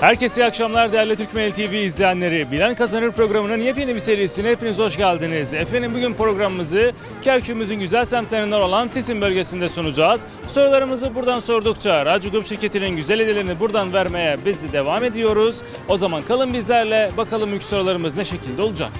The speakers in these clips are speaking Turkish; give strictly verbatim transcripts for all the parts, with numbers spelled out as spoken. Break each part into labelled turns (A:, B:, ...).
A: Herkese iyi akşamlar değerli Türkmen T V izleyenleri. Bilen Kazanır programının yepyeni bir serisine hepiniz hoş geldiniz. Efendim bugün programımızı Kerkük'ümüzün güzel semtlerinden olan Tisim bölgesinde sunacağız. Sorularımızı buradan sordukça Radyo Grup şirketinin güzel hediyelerini buradan vermeye biz de devam ediyoruz. O zaman kalın bizlerle, bakalım ilk sorularımız ne şekilde olacak.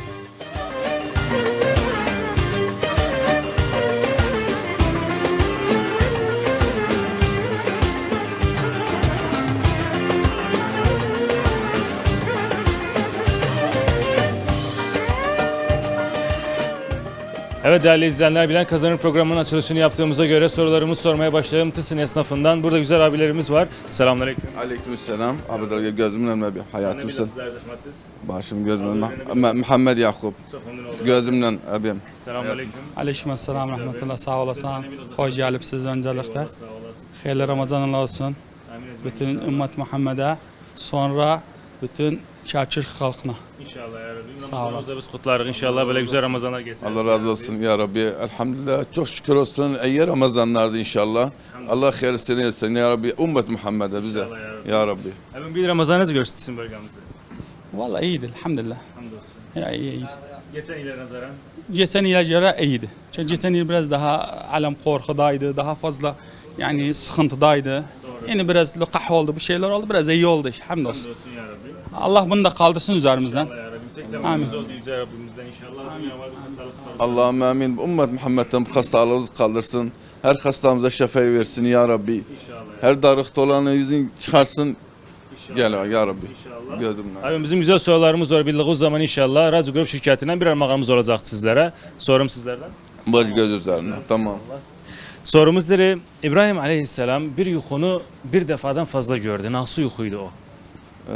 A: Evet değerli izleyenler, Bilen Kazanır programının açılışını yaptığımıza göre sorularımızı sormaya başlayalım. Tısın esnafından. Burada güzel abilerimiz var. Selamünaleyküm.
B: Aleykümselam. Abi gözümün önüne bir hayatımsın.
A: Sizler zahmetsiz.
B: Başım gözümün önüne. Muhammed Yakup. Gözümden abim.
A: Selamünaleyküm.
C: Aleykümselam rahmetullah. Sağ olasın. Hoş gelipsiz öncelikle. Hayırlı Ramazanlar olsun. Bütün ümmet Muhammed'e, sonra bütün Kerkük halkına.
A: İnşallah ya Rabbi.
C: Sağ
A: Ramazanımızda biz kutlarız. İnşallah böyle güzel Ramazanlar geçsin.
B: Allah razı olsun ya Rabbi. Elhamdülillah. Çok şükür olsun. İyi Ramazanlardı inşallah. Allah hayırlısını etsin ya Rabbi. Ümmet Muhammed'e bize. Ya Rabbi.
A: Efendim bir Ramazanınızı görsün bölgemizde.
C: Vallahi iyiydi elhamdülillah.
A: Hamdolsun.
C: Ya iyi iyiydi.
A: Geçen yıla nazaran.
C: Geçen yıla göre iyiydi. Çünkü geçen yıl biraz daha alem korkudaydı. Daha fazla yani sıkıntıdaydı. Doğru. Yani biraz lukah oldu, bir şeyler oldu. Biraz iyi oldu işte. Hamdolsun.
A: Hamdolsun ya Rabbi.
C: Allah bunu da kaldırsın üzerimizden.
A: İnşallah ya Rabbi. Tek temennimiz oldu Yüce Rabbimizden inşallah. Dünya var bir hastalık var.
B: Allah'ım amin. Ümmet Muhammed'den bu hastalığımızı kaldırsın. Her hastamıza şifayı versin ya Rabbi.
A: İnşallah.
B: Her darıkta olanı yüzün çıkarsın. Gel ya Rabbi.
A: İnşallah.
B: Gözümden.
A: Abi bizim güzel sorularımız var. Bildiğiniz zaman inşallah Radyo Grup şirketinden bir armağanımız olacak sizlere. Sorum sizlerden.
B: Baş göz üzerine. Tamam.
A: Sorumuzdur. İbrahim Aleyhisselam bir yuhunu bir defadan fazla gördü. Nasıl yuhuydu o?
B: Ee,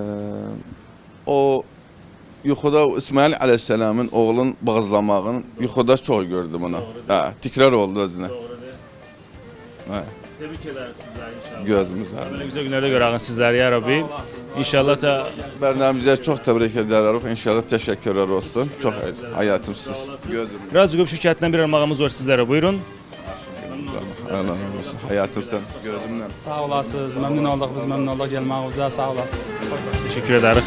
B: o yuxuda İsmail Aleyhisselam'ın oğlun bağızlamağını yuxuda çok gördüm onu. Ha, tekrar oldu özüne.
A: Doğru değil.
B: Ha,
A: Tebrik ederiz sizler inşallah.
B: gözümüz
A: Böyle
B: ağrıyor.
A: güzel günlerde görəğin sizler ya Rabbi. İnşallah da
B: Bernamimize çok tebrik ederiz. İnşallah teşekkürler olsun. Çok hayatımsız. Gözüm.
A: Radyo Grup şirketinden bir armağanımız var sizlere. Buyurun.
B: Allah razı olsun. Hayatımsın. Gözümden.
C: Sağ olasınız. Memnun olduk. Biz memnun olduk gelmağınıza. Sağ olasınız.
A: Teşekkür ederiz.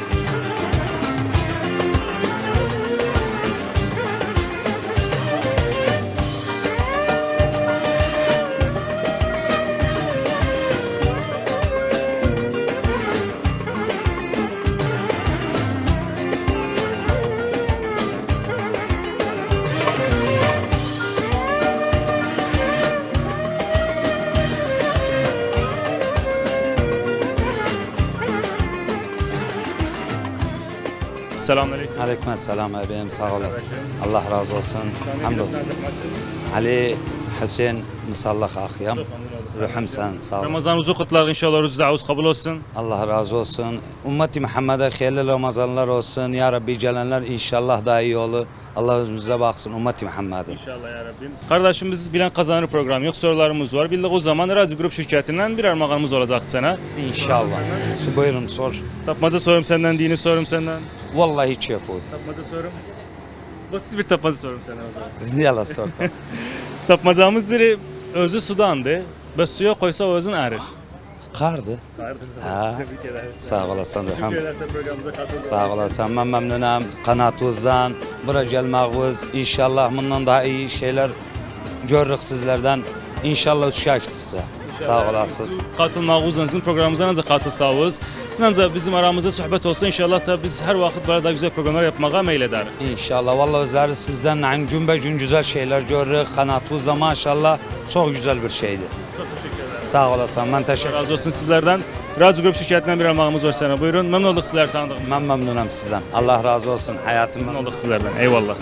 A: Selamünaleyküm.
D: Aleykümselam abim, sağ olasın. Allah razı olsun. Hamdolsun. Ali Hüseyin Musallah Akyam. Ruhum sen, sağ ol.
A: Ramazanınızı kutlar inşallah. Rüzü davuz kabul olsun.
D: Allah razı olsun. Ümmeti Muhammed'e hayırlı Ramazanlar olsun. Ya Rabbi gelenler inşallah daha iyi olur. Allah özümüze baksın Ümmeti Muhammed'e.
A: İnşallah ya Rabbim. Kardeşimiz Bilen Kazanır programı yok. Sorularımız var. Bildik o zaman Radyo Grup şirketinden bir armağanımız olacak sana.
D: İnşallah. Su buyurun sor.
A: Tapmaca sorum senden, dini sorum senden.
D: Vallahi hiç yapmadı.
A: Tapmaca sorum. Basit bir tapmaca sorum sana o zaman.
D: Yala sor.
A: Tapmacamızdır özü sudandı. Ve suya koysa özün erir.
D: Kardı. Ha.
A: Tebrik ederim.
D: Sağ olasın.
A: Teşekkür
D: Ruhum.
A: ederim programımıza katıldığınız için.
D: Sağ olasın. Ben memnunum. Kanatınızdan, buraya gelmağınız. İnşallah bundan daha iyi şeyler görürük sizlerden. İnşallah uşaqsınız. Sağ olasınız.
A: Katılmağınızın sizin programımıza necə katılsağız. Ancaq bizim aramızda sohbet olsa inşallah da biz her vakit böyle daha güzel programlar yapmağa meyil ederiz.
D: İnşallah. Vallahi özleri sizden yani gün be gün güzel şeyler görürük. Kanatınızda maşallah çok güzel bir şeydi.
A: Çok teşekkür ederim.
D: Sağ olasın. Ben teşekkür
A: Razı olsun sizlerden. Radyo Grup şirketinden bir armağanımız var sana. Buyurun. Memnun olduk sizler tanıdığımız.
D: Ben memnunum sizden. Allah razı olsun. Hayatım
A: Memnun olduk sizlerden. Eyvallah.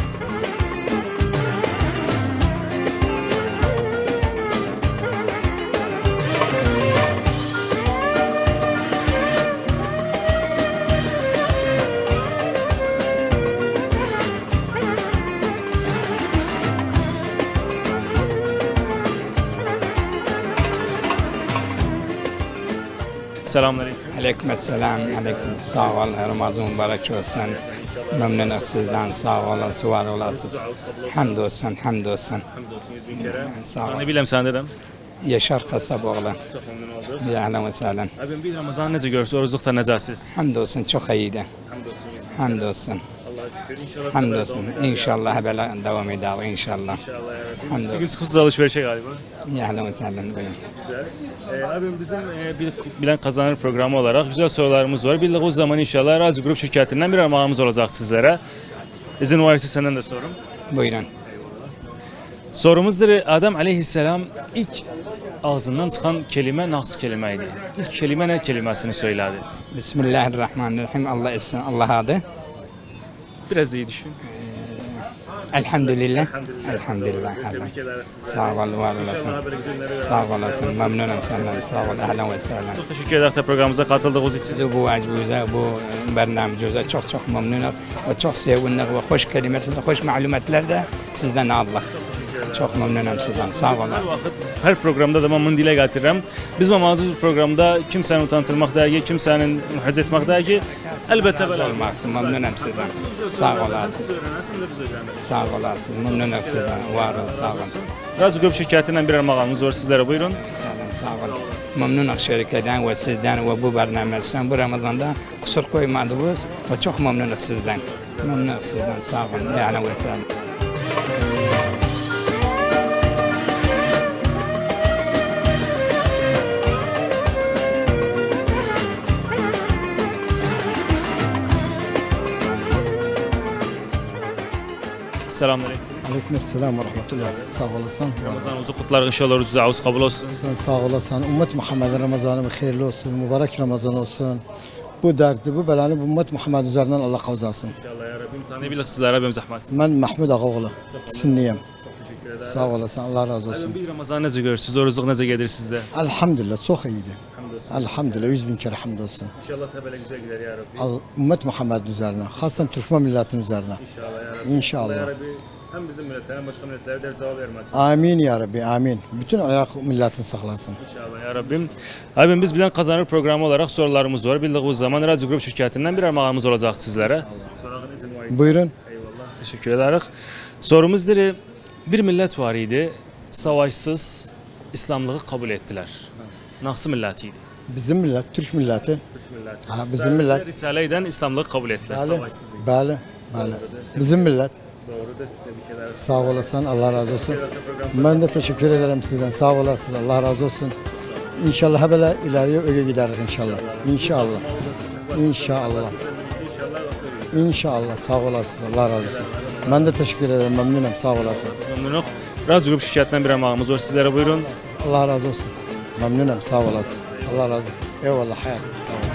A: Selamünaleyküm.
E: Aleykümselam, aleyküm. Sağ olun, Ramazan mübarek olsun. Memnunum sizden, sağ olun, var olasınız. Hamdolsun, hamdolsun.
A: Hamdolsun yüz bin kere.
E: Sağ ol.
A: Ne bileyim sen dedim.
E: Yaşar Kasaboğlu.
A: Çok memnun oldum.
E: Ya ahlen ve sahlen.
A: Abim bir Ramazan necə görürsünüz? Orucluqda necəsiz?
E: Hamdolsun çok iyiydi. Hamdolsun.
A: Allah'a şükür. İnşallah.
E: Hamdolsun. İnşallah böyle devam eder inşallah.
A: İnşallah ya Rabbi. Bugün
E: Hamdolsun.
A: çıkmışsınız alışverişe galiba.
E: Ya ahlen ve sahlen. Buyurun.
A: Güzel. Ee, abim bizim e, bir Bilen Kazanır programı olarak güzel sorularımız var. Bildiğiniz zaman inşallah Radyo Grup şirketinden bir armağanımız olacak sizlere. İzin varsa senden de sorum.
E: Buyurun.
A: Sorumuzdur. Adem aleyhisselam ilk ağzından çıkan kelime nasıl kelimeydi? İlk kelime ne kelimesini söyledi?
E: Bismillahirrahmanirrahim. Allah etsin. Allah adı.
A: Biraz iyi düşün.
E: Elhamdülillah. Elhamdülillah.
A: Tebrik ederiz size.
E: Sağ ol, var olasın.
A: böyle güzel günlere
E: Sağ olasın. Memnunum senden. Sağ ol. Ahlen ve sahlen.
A: Çok teşekkür ederiz de programımıza katıldığınız için.
E: Sizi bu acbuza, bu bernamecimize çok çok memnunum ve çok sevindik ve hoş kelimeler, hoş malumatlar da sizden aldık. Çok memnunum sizden. Sağ
A: Her
E: olasın.
A: vakit, her programda da ben dile getirirəm. Biz mamazız bu programda kimsenin utandırmak değil, kimsenin muhacz etmek değil ki, elbette böyle
E: Olmak memnunum sizden. Sağ olasın. Sağ olasın. Memnunum sizden. Var olun. Sağ olun.
A: Radyo Grup şirketinden bir armağanımız var sizlere, buyurun.
E: Sağ olun. Sağ olun. Memnunum şirketten ve sizden ve bu bernameciden bu Ramazan'da kusur koymadınız ve çok memnunum sizden. Memnunum sizden. Sağ olun. Yani ve sağ olun.
A: Selamünaleyküm.
F: Aleykümselam ve rahmetullah. Sağ olasın.
A: Ramazanınızı kutlar inşallah, oruç davuz kabul olsun.
F: Sen sağ olasın. Ümmet Muhammed'in Ramazanı hayırlı olsun. Mübarek Ramazan olsun. Bu derdi, bu belanı bu ümmet Muhammed üzerinden Allah kavzasın.
A: İnşallah ya Rabbim. Tanıyabilir sizlere, benim zahmetsiz.
F: Ben Mahmud Ağaoğlu. Sinliyim.
A: Çok teşekkür ederim.
F: Sağ olasın. Allah razı olsun.
A: Bir Ramazan necə görürsünüz? Orucluq necə gedir sizdə?
F: Elhamdülillah çok iyiydi. Elhamdülillah yüz bin kere hamdolsun.
A: İnşallah təbələ güzel gider ya Rabbi.
F: Al, ümmet Muhammed'in üzerine. Hasan Türkmen milletinin üzerine.
A: İnşallah ya Rabbi.
F: İnşallah.
A: Allah ya Rabbi hem bizim millete hem başka milletlere de cevap vermesin.
F: Amin ya Rabbi. Amin. Bütün Irak milletini saklasın.
A: İnşallah ya Rabbim. Abim biz Bilen Kazanır programı olarak sorularımız var. Bildiğiniz zaman Radyo Grup şirketinden bir armağanımız olacak sizlere. Sorağın izin var.
F: Buyurun.
A: Eyvallah. Teşekkür ederiz. Sorumuzdur. Bir millet var idi. Savaşsız İslamlığı kabul ettiler. Nasıl milletiydi?
F: Bizim millet, Türk milleti.
A: Türk milleti.
F: Ha, bizim millet.
A: Risale'den İslamlığı kabul ettiler.
F: Bəli,
A: Savaşsız.
F: bəli, bəli. Bizim millet.
A: Doğrudur. Tebrik ederiz.
F: Sağ olasın, Allah razı olsun. Ben de teşekkür ederim sizden. Sağ olasınız, Allah razı olsun. İnşallah böyle ileriye öyle gideriz inşallah. İnşallah. İnşallah. İnşallah. Sağ olasınız, Allah razı olsun. Ben de teşekkür ederim, memnunum. Sağ olasın.
A: Memnunum. Radyo Grup şirketinden bir armağanımız var. Sizlere buyurun.
F: Allah razı olsun. Memnunum, sağ olasın. Allah razı olsun. Eyvallah hayatım, sağ olun.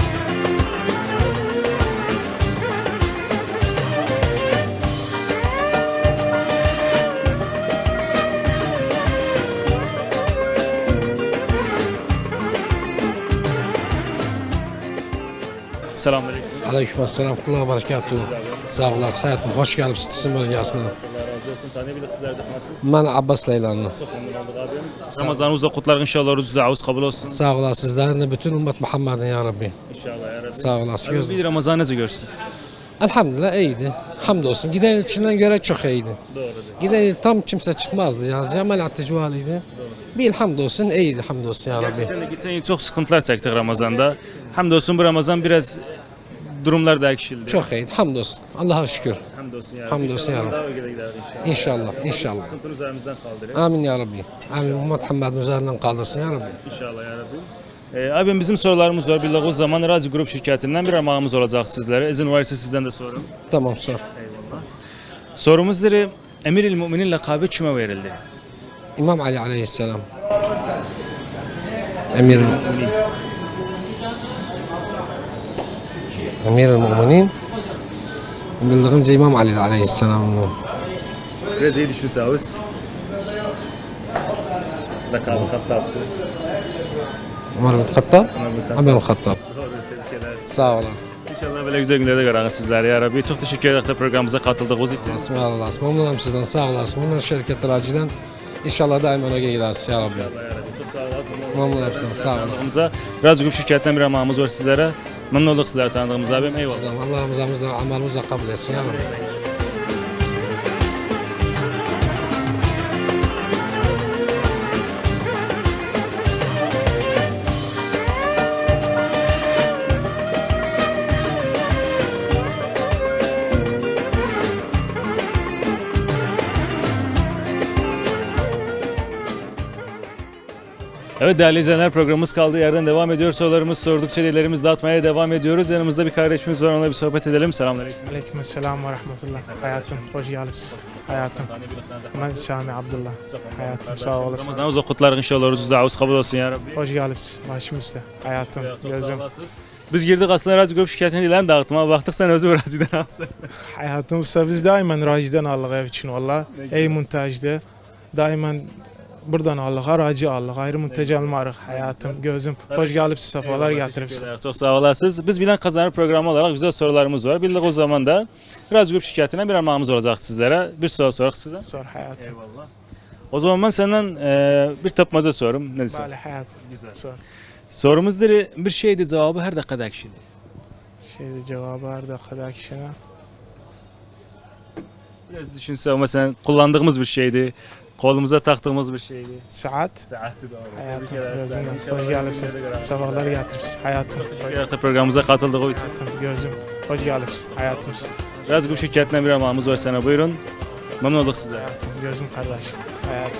A: Selamünaleyküm.
G: Aleykümselam, kula berekatuhu. Sağ olasın hayatım, hoş geldiniz Tisim bölgesine.
A: Allah razı olsun. Tanıyabilir sizler zahmetsiz.
G: Ben Abbas Leylanlı.
A: Çok memnun olduk abim. Ramazanınız da kutlar inşallah. Oruç davuz kabul olsun.
G: Sağ olasın sizlerin de bütün ümmet Muhammed'in ya Rabbi.
A: İnşallah ya Rabbi.
G: Sağ olasın.
A: Abim
G: Göz...
A: bir Ramazan necə görürsünüz?
G: Elhamdülillah iyiydi. Hamdolsun. Giden ilçinden göre çok iyiydi.
A: Doğrudur.
G: Giden il tam kimse çıkmazdı ya. Cemal Atıcıvalıydı. Bir hamdolsun iyiydi hamdolsun ya Rabbi.
A: Gerçekten de geçen yıl çok sıkıntılar çektik Ramazan'da. Hamdolsun bu Ramazan biraz durumlar değişildi.
G: Çok iyiydi hamdolsun. Allah'a şükür.
A: Hamdolsun ya.
G: Hamdolsun ya
A: İnşallah
G: Rabbi.
A: daha öyle gider inşallah.
G: İnşallah, inşallah.
A: Sıkıntını üzerimizden kaldırır.
G: Amin ya Rabbi. Amin. Ümmet Muhammed'in üzerinden kaldırsın ya Rabbi.
A: İnşallah ya Rabbi. Ee, abim bizim sorularımız var. Bildiğiniz zaman Radyo Grup şirketinden bir armağanımız olacak sizlere. İzin varsa sizden de sorun.
G: Tamam sor.
A: Eyvallah. Sorumuzdur. Emir-i Müminin lakabı kime verildi?
G: İmam Ali aleyhisselam. Emir Emir el-Müminin bildiğimce İmam Ali aleyhisselam.
A: Biraz iyi düşünseniz. Lakabı Hattab'dı.
G: Ömer bin Hattab.
A: Ömer bin
G: Ömer bin Hattab.
A: Doğru, tebrik ederiz.
G: Sağ olasın.
A: İnşallah böyle güzel günlerde görürüz sizleri ya Rabbi. Çok teşekkür ederim de programımıza katıldığınız için.
G: Olasın, var olasın. Memnunum sizden, sağ olasın. Bundan şirketler aciden inşallah daima öyle gideriz ya Rabbi.
A: Ya Rabbi, çok sağ olasın.
G: Memnunum sizden, sağ olasın.
A: Tanıdığımıza, Radyo Grup şirketinden bir armağanımız var sizlere. Memnun olduk sizleri tanıdığımız abim. Eyvallah.
G: Sizden Allah Ramazanımızda amalımızda kabul etsin ya Rabbi.
A: Evet değerli izleyenler, programımız kaldığı yerden devam ediyor. Sorularımız sordukça dillerimizi dağıtmaya devam ediyoruz. Yanımızda bir kardeşimiz var, onunla bir sohbet edelim. Selamünaleyküm.
H: Aleyküm selam ve rahmetullah. Hayatım, hoş geldiniz. Hayatım. Ben Sami Abdullah. Hayatım, sağ olasın.
A: Ramazanınız kutlar inşallah. Rüzü davuz kabul olsun ya Rabbi.
H: Hoş geldiniz. Başımızda. Hayatım, gözüm.
A: Biz girdik aslında Radyo Grup şikayetini dilen dağıtma. Baktık sen özü Radyo'dan alsın.
H: Hayatımızda biz daima raciden aldık ev için valla. Ey montajda. Daima buradan aldık, aracı aldık. Ayrı montaj almarıq. Hayatım, gözüm. Hoş geldiniz. Sefalar getiripsiniz.
A: Çok sağ olasınız. Biz Bilen Kazanır programı olarak güzel sorularımız var. Bildik o zaman da Radyo Grup şikayetinden bir armağanımız olacak sizlere. Bir soru sorak size.
H: Sor hayatım.
A: Eyvallah. O zaman ben senden e, bir tapmaza sorum. Ne diyorsun?
H: Bale hayatım.
A: Güzel.
H: Sor.
A: Sorumuzdur bir şeydi, cevabı her dakika dakikiydi.
H: Şeyde cevabı her dakika kişine.
A: Biraz düşünse ama sen kullandığımız bir şeydi. Kolumuza taktığımız bir şeydi.
H: Saat.
A: Saatti doğru.
H: Hayatım, gözüm. Hoş geldiniz. Sefalar getiripsiniz. Hayatım.
A: Teşekkür programımıza katıldığı için.
H: Hayatım, gözüm. Hoş geldiniz. Hayatım.
A: Radyo Grup şirketinden bir armağanımız var sana, buyurun. Memnun olduk sizlere.
H: Hayatım, gözüm kardeşim. Hayatım.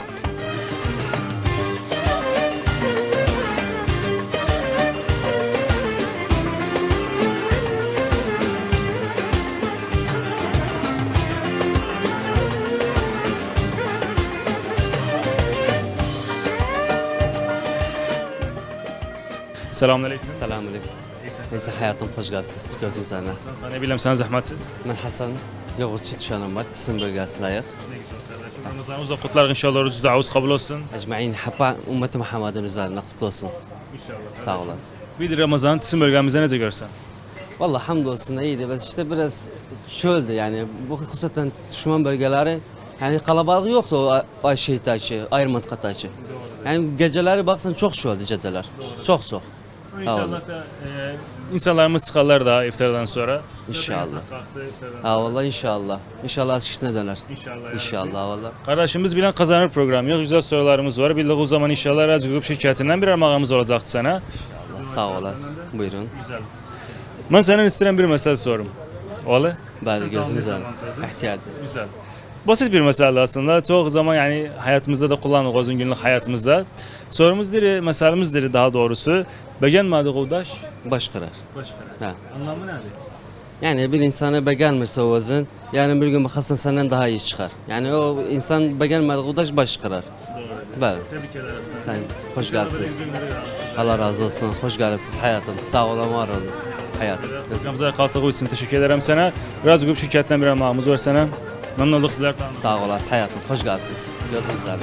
A: Selamünaleyküm.
I: Selamünaleyküm. Neyse hayatım hoş geldiniz. Gözüm senden.
A: Tanıyabilem sana zahmetsiz.
I: Ben Hasan. Yoğurtçu düşenim var. Tisim bölgesindeyiz.
A: Ramazanımız da kutlar inşallah. Rüzü davuz kabul olsun.
I: Ecmaîn hapa ümmeti Muhammed'in üzerine kutlu olsun.
A: İnşallah.
I: Sağ olasın.
A: Bir Ramazan Tisim bölgemizde nece görsen.
I: Vallahi hamdolsun iyiydi. Bes işte biraz çöldü yani. Bu hususen düşman bölgeleri yani kalabalık yoktu o ay şehittaşı, ayrı mıntıkataşı. Yani geceleri baksan çok çöldü caddeler. Çok çok.
A: İnşallah da e, insanlarımız çıkarlar da iftardan sonra.
I: İnşallah.
A: Kalktı iftardan.
I: Ha vallahi inşallah. İnşallah eskisine döner.
A: İnşallah.
I: İnşallah vallahi.
A: Kardeşimiz Bilen Kazanır programı yok. Güzel sorularımız var. Bildik o zaman inşallah Radyo Grup şirketinden bir armağanımız olacaktı sana.
I: Sağ olasın. Buyurun.
A: Güzel. Ben senden isteyen bir mesele sorum. Oğlu?
I: Bazı gözümüzden. İhtiyacı.
A: Güzel. Basit bir mesele aslında. Çok zaman yani hayatımızda da kullandık uzun günlük hayatımızda. Sorumuz diri, meselemiz diri daha doğrusu. Beğenmedi kudaş.
I: Baş karar.
A: Baş
I: Ha.
A: Anlamı nedir?
I: Yani bir insanı beğenmirse o özün, yani bir gün bakarsın senden daha iyi çıkar. Yani o insan beğenmedi kudaş baş karar.
A: Doğru.
I: Böyle.
A: Tebrik ederim seni.
I: Sen hoş geldiniz. Allah razı olsun. Hoş geldiniz hayatım. Sağ olun, var olun. Hayat.
A: Programımıza katıldığı için teşekkür ederim sana. Radyo Grup şirketinden bir armağanımız var sana. Memnun olduk sizler tanıdığınız.
I: Sağ olasın hayatım. Hoş geldiniz. Gözüm üzerine.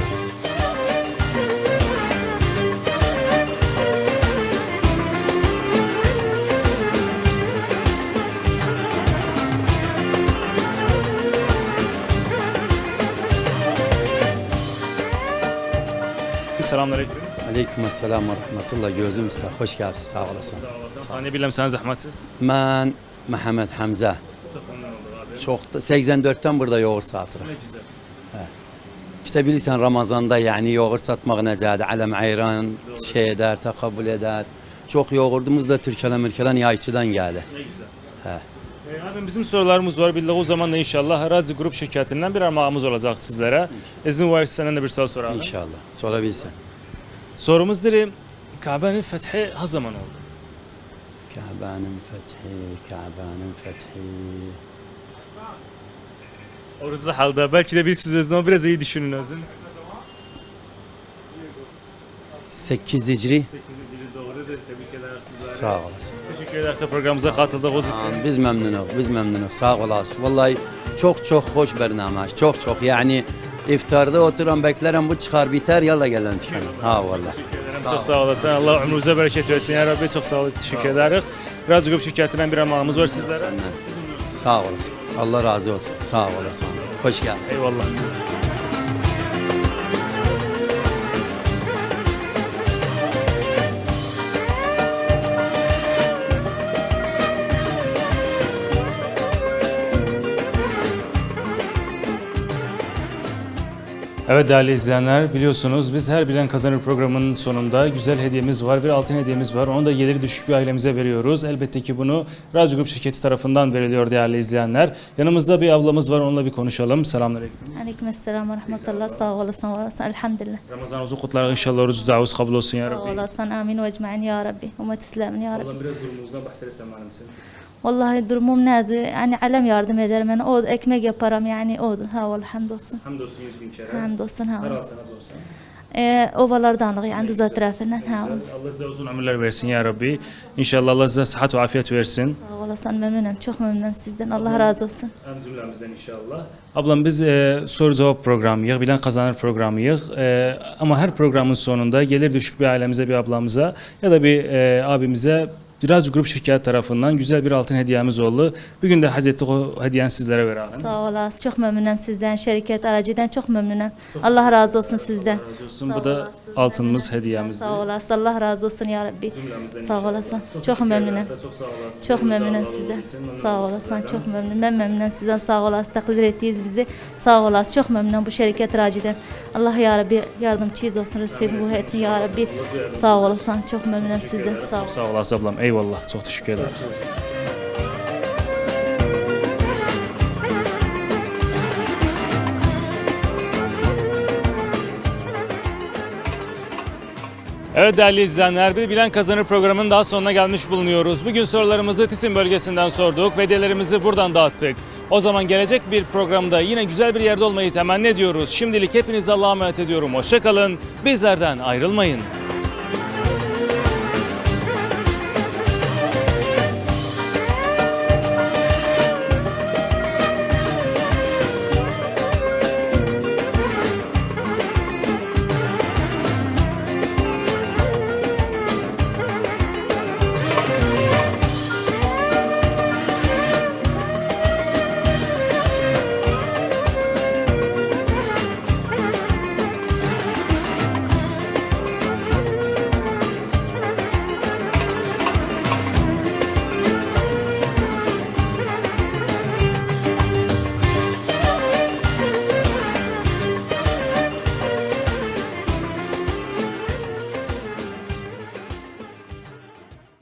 A: Selamünaleyküm.
J: Aleyküm selam ve rahmetullah. Gözüm ister. Hoş geldiniz. Sağ olasın.
A: Hani bilmem sen zahmetsiz.
J: Ben Mehmet Hamza. Çok da seksen dörtten burada yoğurt satırıq.
A: Ne güzel.
J: İşte bilirsən Ramazanda yani yoğurt satmaq necədir? Aləm ayran şey eder, takabül eder. Çok yoğurdumuz da Türkələ mürkələ yayçıdan geldi.
A: Ne güzel.
J: He.
A: E, abi bizim sorularımız var. Bildik o zaman da inşallah Radyo Grup şirketinden bir armağanımız olacak sizlere. İzin var senden de bir soru soralım.
J: İnşallah. Sorabilirsen.
A: Sorumuz diri. Kabe'nin fethi ha zaman oldu?
J: Kabe'nin fethi, Kabe'nin fethi.
A: Orası halde belki de bir siz özünü ama biraz iyi düşünün özün.
J: sekiz Hicri.
A: sekizinci doğru da tebrik ederim sizlere.
J: Sağ olasın.
A: Teşekkür ederim de programımıza katıldığınız için.
J: Biz memnunuz, biz memnunuz. Sağ olasın. Vallahi çok çok hoş bernamaj. Çok çok yani iftarda oturan beklerim bu çıkar biter yalla gelen tükenin. Ha vallahi.
A: Çok sağ olasın. Allah ömrünüze bereket versin ya Rabbi. Çok sağ olun. Teşekkür ederiz. Radyo Grup şirketinden bir armağanımız var sizlere.
J: Senden. Sağ olasın. Allah razı olsun. Sağ olasın. Hoş geldin.
A: Eyvallah. Evet değerli izleyenler, biliyorsunuz biz her Bilen Kazanır programının sonunda güzel hediyemiz var, bir altın hediyemiz var. Onu da geliri düşük bir ailemize veriyoruz. Elbette ki bunu Radyo Grup şirketi tarafından veriliyor değerli izleyenler. Yanımızda bir ablamız var, onunla bir konuşalım. Selamünaleyküm.
K: Aleykümselam ve rahmetullah. Sağ olasın, var olasın. Elhamdülillah.
A: Ramazan uzun kutlar, inşallah oruç davuz kabul olsun ya
K: Sağ
A: Rabbi.
K: olasın. Amin ve ecmain ya Rabbi. Ümmet İslam'ın ya Rabbi.
A: Allah biraz durumunuzdan bahsedersen bana mısın?
K: Vallahi durumum neydi? Yani alem yardım ederim. Yani o ekmek yaparım yani o. Ha vallahi hamdolsun.
A: Hamdolsun yüz bin kere.
K: Hamdolsun ha.
A: Her alsana olsa.
K: Ee, ovalardan yani düz etrafından ha.
A: Allah size uzun ömürler versin ya Rabbi. İnşallah Allah size sıhhat ve afiyet versin.
K: Sağ olasın, memnunum. Çok memnunum sizden. Allah razı olsun.
A: Hem cümlemizden inşallah. Ablam biz e, soru cevap programıyız, Bilen Kazanır programıyız. E, ama her programın sonunda gelir düşük bir ailemize, bir ablamıza ya da bir e, abimize Radyo Grup şirketi tarafından güzel bir altın hediyemiz oldu. Bugün de Hazreti o hediyen sizlere verelim.
K: Sağ olasın. Çok memnunum sizden. Şirket aracıdan çok memnunum. Allah razı olsun sizden.
A: Razı olsun. Bu da altınımız, hediyemiz.
K: Sağ olasın. Allah razı olsun ya Rabbi.
A: Cümlemizden
K: Sağ
A: inşallah.
K: olasın. Çok
A: teşekkür
K: memnunum.
A: ederim. Çok sağ olasın.
K: Çok
A: Bize
K: memnunum
A: Allah
K: sizden.
A: razı olsun. Memnunum
K: Sağ olasın.
A: sizlerden.
K: Çok memnunum. Ben memnunum sizden. Sağ olasın. Takdir ettiğiniz bizi. Sağ olasın. Çok memnunum bu şirket raciden. Allah ya Rabbi yardımcınız olsun. Rızkınızı bu etsin ya Rabbi. Sağ olasın. Çok memnunum sizden. Sağ
A: Çok sağ olasın ablam. Eyvallah. Çok teşekkür ederim. Evet değerli izleyenler, bir Bilen Kazanır programının daha sonuna gelmiş bulunuyoruz. Bugün sorularımızı Tisim bölgesinden sorduk ve hediyelerimizi buradan dağıttık. O zaman gelecek bir programda yine güzel bir yerde olmayı temenni ediyoruz. Şimdilik hepinizi Allah'a emanet ediyorum. Hoşça kalın, bizlerden ayrılmayın.